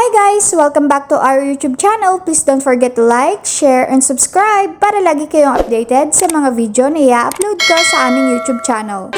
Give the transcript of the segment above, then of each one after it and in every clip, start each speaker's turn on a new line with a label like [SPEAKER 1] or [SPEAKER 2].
[SPEAKER 1] Hi guys! Welcome back to our YouTube channel. Please don't forget to like, share, and subscribe para lagi kayong updated sa mga video na i-upload ko sa aming YouTube channel.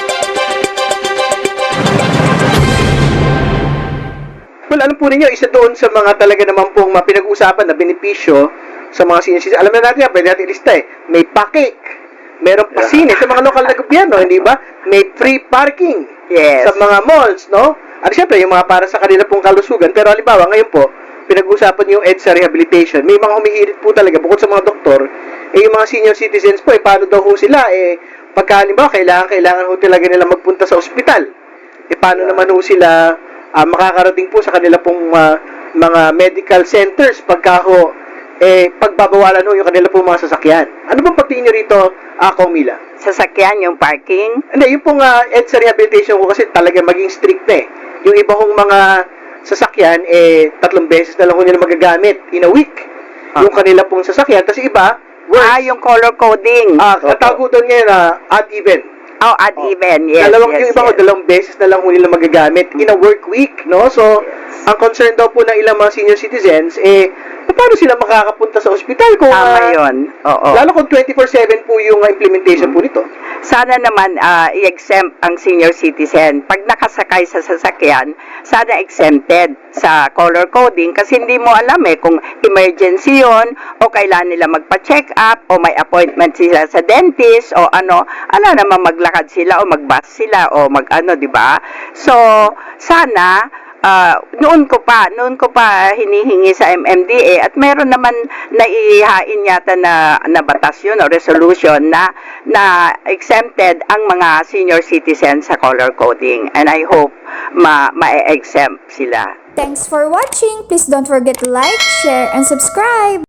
[SPEAKER 2] Well, alam po ninyo, isa doon sa mga talaga naman pong pinag-usapan na benepisyo sa mga senior citizens. Alam na natin yan, pwede natin ilista May pa-cake, meron pa sine sa mga lokal na gobyerno, hindi ba? May free parking sa mga malls, no? At syempre, yung mga para sa kanila pong kalusugan. Pero halimbawa, ngayon po, pinag-usapan yung EDSA rehabilitation. May mga humihirit po talaga, bukod sa mga doktor, yung mga senior citizens po, paano daw ho sila, pagka halimbawa, kailangan ho talaga nila magpunta sa ospital. Paano naman ho sila makakarating po sa kanila pong mga medical centers pagka ho, pagbabawalan ho yung kanila pong mga sasakyan. Ano bang pagtingin nyo rito, Mila?
[SPEAKER 3] Sasakyan, yung parking?
[SPEAKER 2] Hindi, yung pong EDSA rehabilitation ko kasi talaga maging strict na Yung iba kong mga sasakyan, 3 beses na lang ko nila magagamit in a week. Yung kanila pong sasakyan. Tapos iba,
[SPEAKER 3] yung color coding.
[SPEAKER 2] Tawag ko doon ngayon, odd even.
[SPEAKER 3] Oh, odd even, yes.
[SPEAKER 2] Yung iba ko, 2 beses na lang ko nila magagamit in a work week, no? So, ang concern daw po ng ilang mga senior citizens, paano sila makakapunta sa ospital kung
[SPEAKER 3] tama yun. Oo.
[SPEAKER 2] Lalo kung 24/7 po yung implementation po nito.
[SPEAKER 3] Sana naman i-exempt ang senior citizen. Pag nakasakay sa sasakyan, sana exempted sa color coding kasi hindi mo alam kung emergency yun o kailan nila magpa-check up o may appointment sila sa dentist o ano. Ala naman maglakad sila o mag-bus sila o mag-ano, di ba? So, sana noon ko pa hinihingi sa MMDA at meron naman naihain yata na batas yun o resolution na exempted ang mga senior citizens sa color coding, and I hope ma-exempt sila.
[SPEAKER 1] Thanks for watching! Please don't forget to like, share, and subscribe!